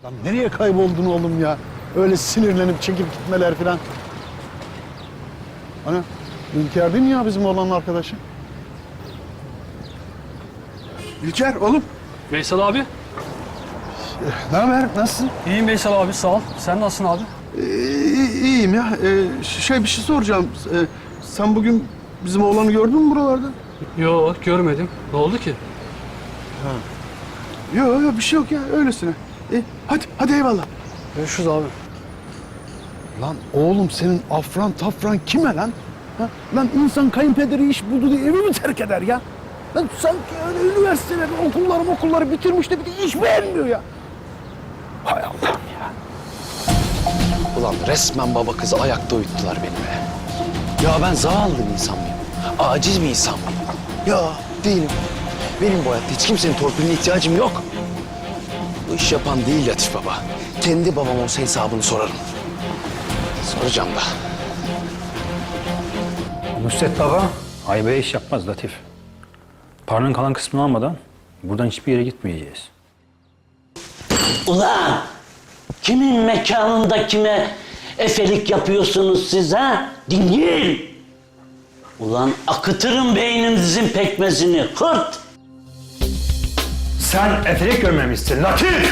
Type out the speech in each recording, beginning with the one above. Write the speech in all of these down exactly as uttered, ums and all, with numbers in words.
Lan nereye kayboldun oğlum ya? Öyle sinirlenip çekip gitmeler falan. Hani İlker değil mi ya bizim oğlanın arkadaşı? İlker oğlum. Veysel abi. Ne haber? Nasılsın? İyiyim Veysel abi, sağ ol. Sen nasılsın abi? Ee, iyiyim ya. Ee, şey bir şey soracağım. Ee, sen bugün bizim oğlanı gördün mü buralarda? Yok, görmedim. Ne oldu ki? Yok yok bir şey yok ya öylesine. Ee, hadi hadi eyvallah. Görüşürüz abi. Lan oğlum senin afran tafran kime lan? Ha? Lan insan kayınpederi iş buldu diye evi mi terk eder ya? Lan sanki öyle üniversiteleri, okulları okulları bitirmiş de bir de iş beğenmiyor ya. Hay Allah'ım ya. Ulan resmen baba kızı ayakta uyuttular beni be. Ya ben zavallı bir insan mıyım? Aciz bir insan mıyım? Ya değilim. Benim bu hayatta hiç kimsenin torpiline ihtiyacım yok. Bu iş yapan değil Latif baba. Kendi babam olsa hesabını sorarım. Soracağım da. Nusret Baba haybeye iş yapmaz Latif. Paranın kalan kısmını almadan buradan hiçbir yere gitmeyeceğiz. Ulan! Kimin mekanında kime efelik yapıyorsunuz siz ha? Dingil! Ulan akıtırım beyninizin pekmezini, hırt! Sen efelik görmemişsin Latif!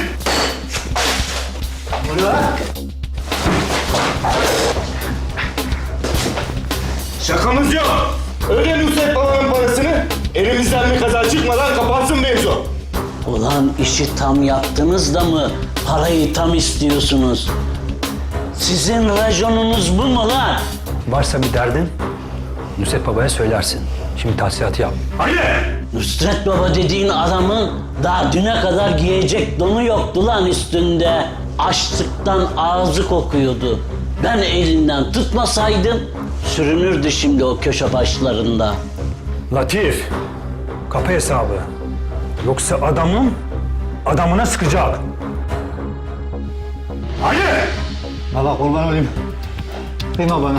Şakamız yok. Öde Nusret Baba'nın parasını, elimizden bir kaza çıkmadan kapansın mevzu. Ulan işi tam yaptınız da mı parayı tam istiyorsunuz? Sizin raconunuz bu mu lan? Varsa bir derdin Nusret Baba'ya söylersin. Şimdi tahsilatı yap. Nusret Baba dediğin adamın daha düne kadar giyecek donu yoktu lan üstünde. Açlıktan ağzı kokuyordu. Ben elinden tutmasaydım sürünürdü şimdi o köşe başlarında. Latif, kapı hesabı. Yoksa adamın adamına sıkacak. Hadi! Baba kurban olayım. Kıyma bana.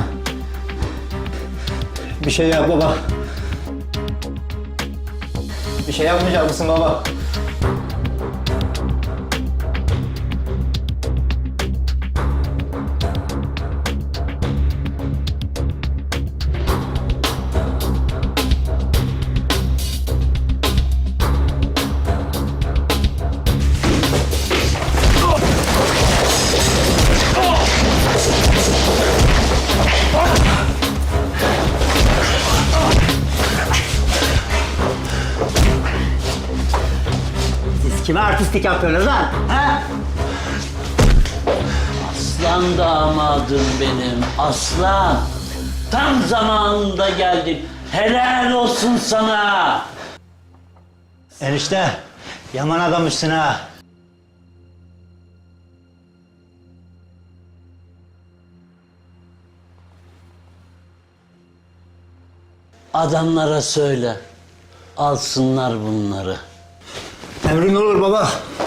Bir şey yap baba. Bir şey yapmayacak mısın baba? Siz kime artistlik yapıyorsunuz lan? Ha? Aslan damadım benim, aslan. Tam zamanında geldin. Helal olsun sana. Enişte, yaman adammışsın ha. Adamlara söyle, alsınlar bunları. Emrin olur baba.